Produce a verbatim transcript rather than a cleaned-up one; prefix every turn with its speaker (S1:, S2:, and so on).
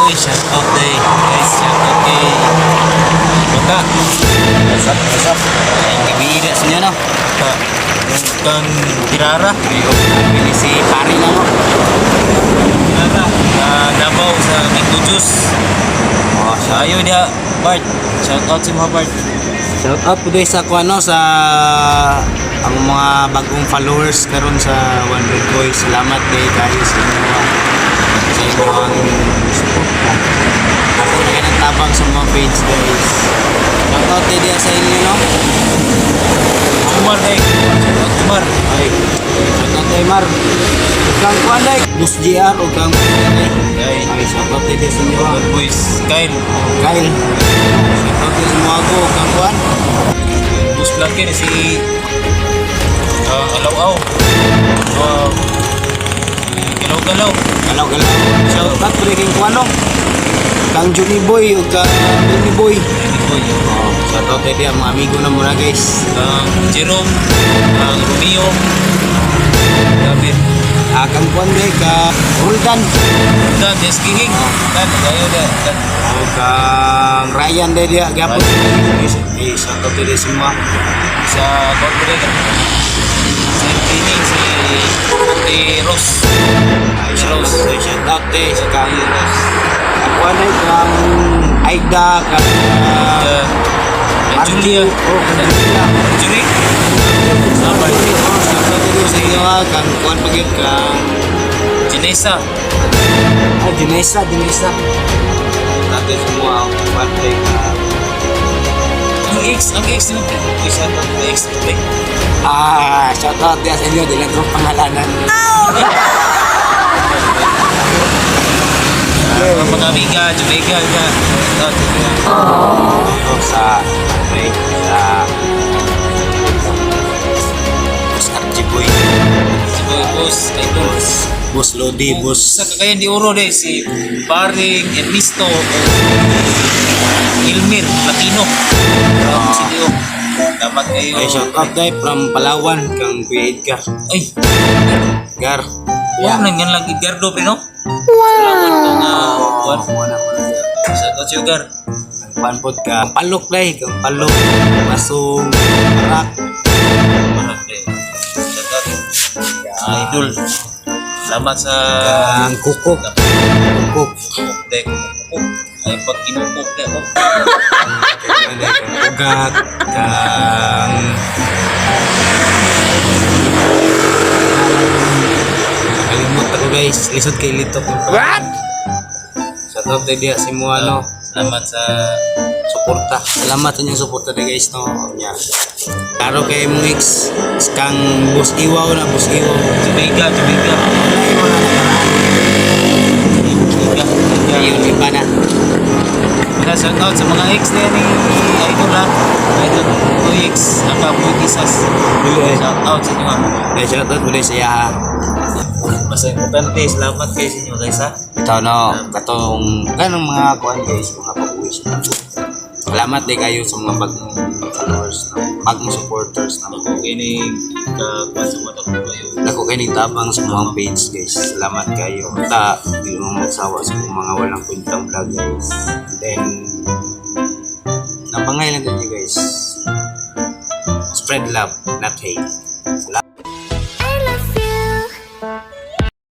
S1: Uy, shout out day. Guys, shout out kay Bata.
S2: What's up, what's up?
S1: Ay, gabira sa inyo, no? Bata. Yung kang Tirara.
S2: Bili si pari na mo.
S1: Tirara. Sa Davao, sa Minto Juice.
S2: Oh,
S1: Sa ayo dia, Bart. Shout out si mga Bart.
S2: shout out po din sa kuano sa ang mga bagong followers karon sa one hundred Boys. Salamat kay kayo sa inyo sa inyong support. Ako na ganang tabang sa mga page guys. Shout out din dia sa inyo no.
S1: Umar day. Shout out Umar.
S2: Ay, shout out kay Mar. Kang kuan day, Bus J R o kang
S1: Ay,
S2: ay shout out din sa inyo.
S1: Bad Boys. Kyle.
S2: Kyle. Shout out din sa mga ako kang kuan.
S1: Bus Blanque ni si uh, Alaw-aw. Uh, si Galaw-galaw.
S2: Galaw galaw. Shout out po din kay kuan no. Kang Johnny Boy o kang Johnny Boy.
S1: Boy.
S2: Oh, shout out din dia mga amigo na muna guys.
S1: Ang Jerome. Ang Romeo. David.
S2: Ah, kang kuan day ka Roldan.
S1: Dan, Jess Kihing. Dan, gayo da. Dan.
S2: O kang Ryan day dia gapon. Eh, shout out din semua.
S1: Sa corporate. Sa training si Ate Rose.
S2: Ay, shout out din shout out din sa kang Ang kuan day kang Aida kang
S1: Uh, Julia.
S2: Oh, kang Julia.
S1: Julie. Sabar.
S2: Shout out din sa inyo ha, kang kuan pagid kang
S1: Janessa.
S2: ah, Dinesa, Dinesa. Natin semua ang kuan day kang
S1: Ang ex, ang ex mo. Uy, shout out ang ex. Like,
S2: ah, shout out din sa inyo dili ko pangalanan.
S1: uh, mga amiga, Jamaica. Ka. Shout out.
S2: Ito sa okay, sa Bus R G Boy,
S1: Si Boy Boss. Idol.
S2: Bus Lodi, Bus
S1: Sa kakayan di Oro de si Paring Ernesto Ilmir Latino. Um, si Dio. Dapat kayo.
S2: ay shout out day from Palawan kang Kuya Edgar.
S1: Ay,
S2: Gar.
S1: wow, nangan lang Edgardo pero no? Salamat kang uh, Juan.
S2: Wala ko na.
S1: Shout out sa'yo, Gar.
S2: Panpod ka. Palok day, kang palok. Masong parak.
S1: Parang eh. Shout out. Ah, Idol. Salamat sa
S2: Kang kukok. Kukok.
S1: kukuk de kukuk. Ay pag kinukuk de ako.
S2: Kang day, kang ugak. Kang kalimot ako guys. Lisod kay Litok. What? Shout out day dia si Muano.
S1: Salamat sa
S2: Suporta. Salamat sa inyong suporta day guys no. Nya. Karo kay mong ex kang Bus Iwaw na Bus Iwaw.
S1: Jamaica, Jamaica.
S2: Ay mo na nakaraan.
S1: Jamaica.
S2: Ayun iba na.
S1: Mga shout out sa mga ex na ni Idol ha. Idol ko ex. Ang kapoy kisas. Shout out sa inyo ha.
S2: Kaya shout out ulit sa yaha.
S1: Basta importante. Salamat kayo sa inyo guys ha.
S2: Ito no, katong kanong mga kuan guys, mga pabuwis. Salamat din kayo sa mga bagong followers, no? Bagong supporters na.
S1: Ako kinig ka sa mata ko kayo.
S2: Ako kayo tabang sa mga page guys. Salamat kayo. Ta, hindi mo magsawa sa mga walang kwentang vlog guys. Then, napangay lang din guys. Spread love, not hate. Salamat.